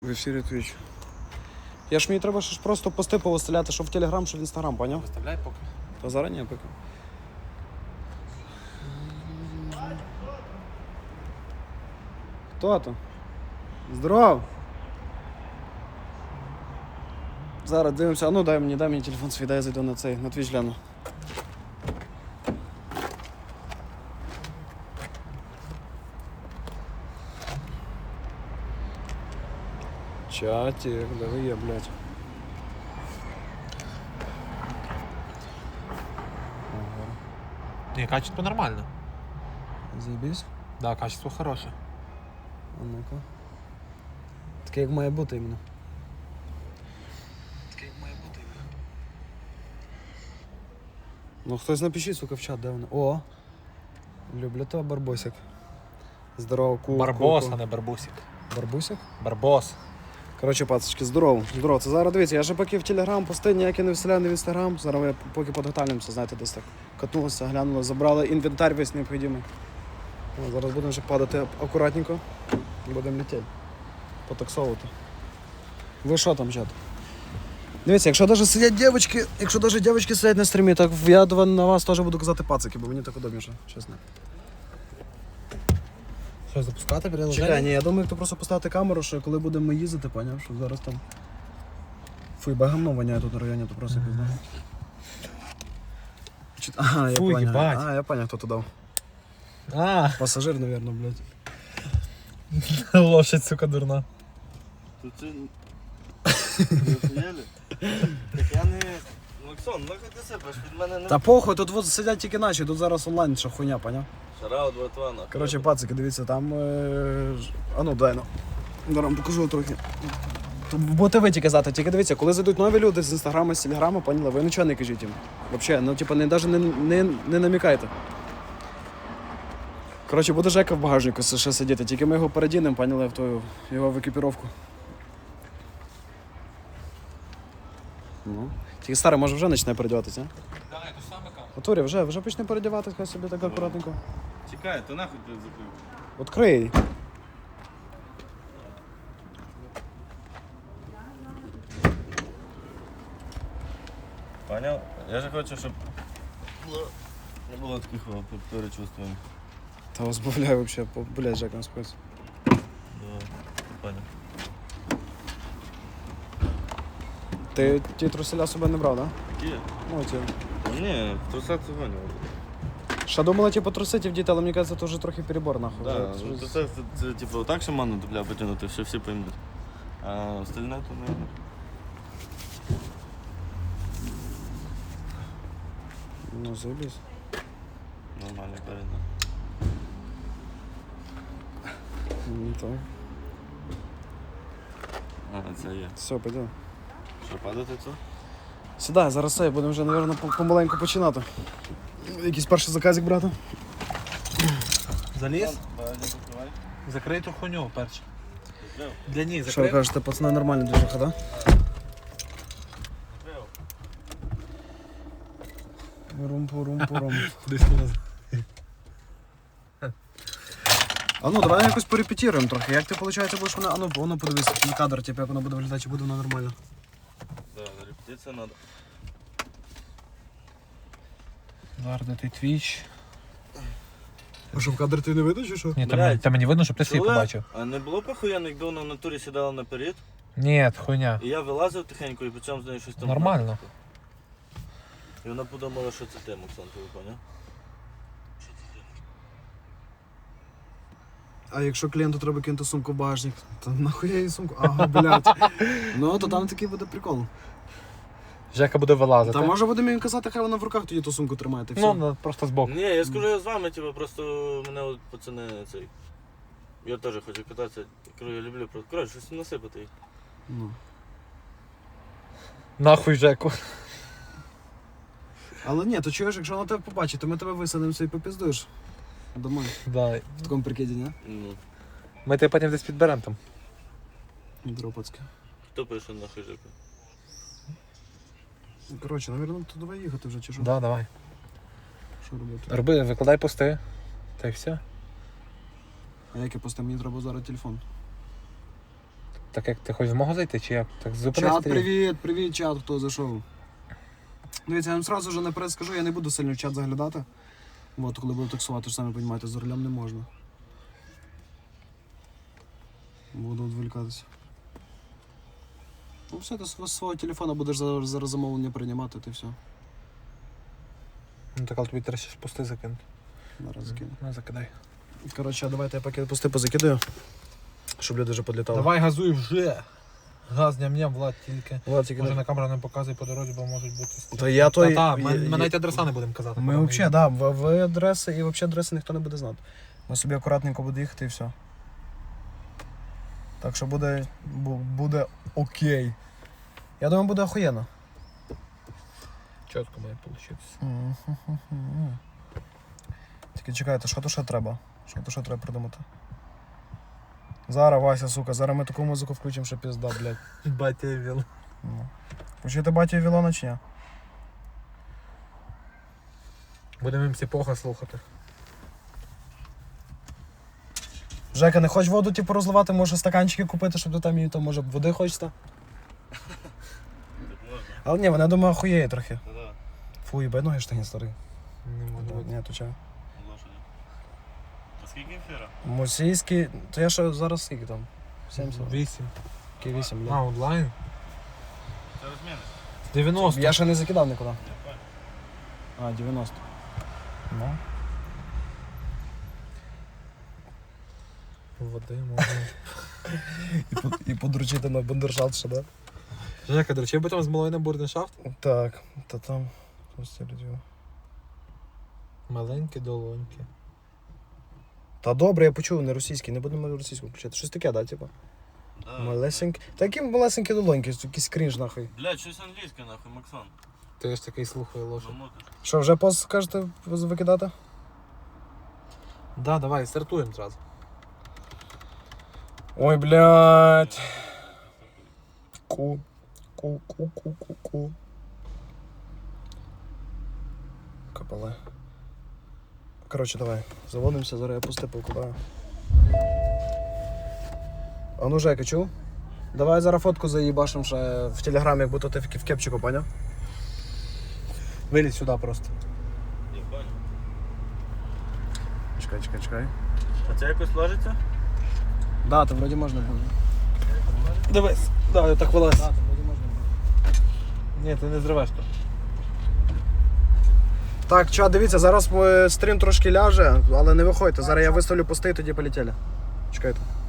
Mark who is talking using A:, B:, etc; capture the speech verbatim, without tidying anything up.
A: В ефірі Twitch. Я ж мені треба ж просто пости повиставляти, що в Телеграм, що в Інстаграм, поняв?
B: Виставляй поки.
A: Та зарані поки. Хто то? Здоров! Зараз дивимося, а ну дай мені, дай мені телефон свій, дай я зайду на цей, на Twitch гляну. Чатик, да ви є, блядь. Ага.
B: Ні, качество нормально.
A: Заєбісь?
B: Да, качество хороше.
A: А ну-ка. Таке як має бути іменно. Таке як має бути іменно. Ну хтось напишіть, сука, в чат, де вони. О! Люблю того барбосик. Здорово, ку.
B: Барбос,
A: ку,
B: а не барбусик.
A: Барбусик?
B: Барбос.
A: Коротше, пацочки, здорово, здорово. Це зараз дивіться, я ще поки в Телеграм пости ніякі не виставляю, не в Інстаграм. Зараз ми поки подготовлюємося, знаєте, десь так катнулися, глянули, забрали інвентар весь необхідний. О, зараз будемо вже падати акуратненько і будемо летіти. Потаксовувати. Ви що там, чат? Дивіться, якщо навіть сидять дівчатки, якщо навіть дівчатки сидять на стрімі, так я на вас теж буду казати пацики, бо мені так удобніше, чесно.
B: Що, запускати приложення?
A: Чекай, ні, я думаю, хто просто поставити камеру, що коли будемо їздити, поняв, що зараз там... Фу, ба гамно воняє тут на районі, то просто пізно. Чи- Ага, я
B: Фу,
A: поняв.
B: їбать.
A: А, я поняв, хто то дав.
B: А,
A: Пасажир, наверное, блядь.
B: лошадь, сука, дурна.
C: Тут це... Ви охуєли? Так я не... Максон, нахуй ти сипеш, від мене не...
A: Та похуй, тут вот сидять тільки наші, тут зараз онлайн ще хуйня, поняв?
C: Шараут, братва, нахуй.
A: Коротше, пацики, дивіться, там... Е... ж- А ну, дай, ну. Зараз вам покажу трохи. Тут будете ви тільки казати, тільки дивіться, коли зайдуть нові люди з Інстаграма, з Телеграма, поняли, ви нічого не кажіть їм. Вообще, ну типу, не, навіть не, не, не намікайте. Коротше, буде Жека в багажнику ще сидіти, тільки ми його передінемо, поняли, в ту його в екіпіровку. Ну. Тільки старий, може вже почне передіватися, а?
B: Да, це саме камера.
A: Отурі, вже, вже почне передіватися, хай собі так акуратненько.
C: Чекай, то нахуй ти закрив.
A: Открий.
C: Поняв? Я же хочу, щоб... Не було таких перечувствувань.
A: Та розбавляй вообще, по- блядь, Жека, на спец.
C: Да, поняв.
A: Ти ті труселя себе не брав, да?
C: Які?
A: Ну, ті.
C: Ні, в трусах це гоняв.
A: Ще думала, типу, трусити в діти, але мені кажеться, це вже трохи перебор, нахуй.
C: Да,
A: Вже-
C: ну,
A: вже-
C: трусах це, це типу так шаману дупля потягнути, що всі поймуть. А остальне то не...
A: Ну, заебись.
C: Нормально, передно.
A: Ну, так.
C: А, це є.
A: Все, пойдем.
C: Що, падати це?
A: Сідай, зараз все, будемо вже, мабуть, по- помаленьку починати. Якийсь перший заказик брати.
B: Заліз?
C: Багажник закривай.
B: Закрий ту хуйню перше.
C: Закрив.
B: Для ній
A: Що ви
B: закрив.
A: кажете, пацани, нормальна движуха, да?
C: Закрив.
A: Рум-пу-рум-пу-рум.
B: Десь не назад.
A: А ну, давай якось порепетируємо трохи. Як ти, виходить, будеш вона... А ну, воно подивись на кадр, типу, як воно буде виглядати, чи буде воно нормально.
C: Да, репетиція надо.
B: Зараз де ти твіч.
A: А що, в кадр ти не видиш, чи що?
B: Ні, там,
C: Блядь.
B: там мені видно, щоб ти свій
C: Чули?
B: побачив.
C: А не було похуєнно, якби вона в натурі сідала наперед,
B: Ні, хуйня.
C: і я вилазив тихенько і почав з нею щось там.
B: Нормально.
C: грати. І вона подумала, що це ти, Максон, ти поняв?
A: А якщо клієнту треба кинути сумку в багажник, то нахуя їй сумку? Ага, блядь. Ну, то там такий буде прикол.
B: Жека буде вилазити.
A: Та може будемо їм казати, хай вона в руках тоді ту сумку тримає, та й
B: Ну,
A: все.
B: ну, просто збоку.
C: Ні, я скажу, я з вами, типу, просто мене от пацани цей. Я теж хочу кататися. Кажу, я люблю просто. Коротше, щось насипати їх.
A: Ну.
B: Нахуй Жеку.
A: Але ні, то чуєш, якщо вона тебе побачить, то ми тебе висадимося і попіздуєш. Домой.
B: Да.
A: В такому прикиді, ні?
C: Ну,
B: Ми тебе потім десь підберемо там.
A: Дропацьке.
C: хто пише нахуй жику?
A: Коротше, навірно, то давай їхати вже, чи що?
B: Да, давай.
A: Що робити?
B: Роби, викладай пости. Та й все.
A: А як я просто мені треба зараз телефон?
B: Так як ти хочеш змогу зайти, чи як? Так зупинись.
A: Чат,
B: стрім.
A: привіт, привіт, чат, хто зайшов. Дивіться, я вам сразу вже наперед скажу, я не буду сильно в чат заглядати. От, коли буду таксувати, ж самі розумієте, з рулем не можна. Буду відволікатися. Ну все, ти з свого телефона будеш за- зараз замовлення приймати, ти все.
B: Ну так, але тобі треба ще ж пости закинути.
A: Зараз закину.
B: Ну, закидай.
A: Коротше, давайте я поки пусти позакидаю, щоб люди вже підлітали.
B: Давай газуй вже. Газ ням-ням, Влад, тільки.
A: Влад, тільки
B: Може
A: не-
B: на камеру не показуй по дорозі, бо можуть бути стріли.
A: Та я той...
B: Та, ми,
A: я-
B: ми
A: я-
B: навіть адреса не будемо казати.
A: Ми
B: куди
A: взагалі, да, в, в адреси і взагалі адреси ніхто не буде знати. Ми собі акуратненько буде їхати і все. Так що буде, бу- буде окей. Я думаю, буде охуєнно.
B: Чітко має вийти.
A: Тільки чекайте, що то ще треба? Що то ще треба придумати? Зараз, Вася, сука, зараз ми таку музику включимо, що пізда, блядь.
B: Батя віл.
A: Ну. Включити батю Вілона чи ні?
B: Будемо їм сіпоха слухати.
A: Жека, не хочеш воду типу розливати, може стаканчики купити, щоб ти там її, то може води хочеться?
C: Так можна.
A: Але ні, вона, думаю, охуєє трохи.
C: Та-да.
A: Фу, їбай ноги штані старий.
B: Не можу бути.
A: Ні, то чого?
C: Лошаді. А скільки ефіра?
A: Мусійський, то я ще зараз скільки там? сімдесят?
B: Вісім.
A: Який вісім,
B: А,
A: блядь.
B: онлайн?
C: Це розміни.
B: дев'яносто.
A: Я ще не закидав нікуди.
C: Я понял.
A: А, дев'яносто. Ну.
B: Води можна.
A: І, по- і подручити на бандершафт ще, да?
B: Жека, до речі, би там з малою на бурденшафт?
A: Так, та там. Ось ці люди.
B: Маленькі долоньки.
A: Та добре, я почув, не російський, не будемо російську включати. Щось таке, да, типу?
C: Да.
A: Малесенькі. Та які малесенькі долоньки, якийсь крінж нахуй.
C: Блядь, щось англійське нахуй, Максон.
B: Ти ж такий слухає лошадь.
C: Намотиш.
A: Що, вже пост скажете викидати?
B: Да, давай, стартуємо зразу.
A: Ой, блядь. Ку. Ку, ку, ку, ку, ку. Капали. Коротше, давай. Заводимося, зараз я пусти покупаю. А ну, Жека, чув? Давай зараз фотку заїбашим ще в телеграмі, як будто ти в в кепчику, поняв?
B: Вилізь сюди просто.
C: Я понял.
A: Чекай, чекай, чекай.
C: А це якось ложиться?
A: Да, то вроді можна буде.
B: Дивись. Да, я так вилазь.
A: Да, то вроді можна буде.
B: Ні, ти не зривеш то.
A: Так, чат, дивіться, зараз е, стрім трошки ляже, але не виходьте. Зараз я виставлю пости і тоді полетіли. Чекайте.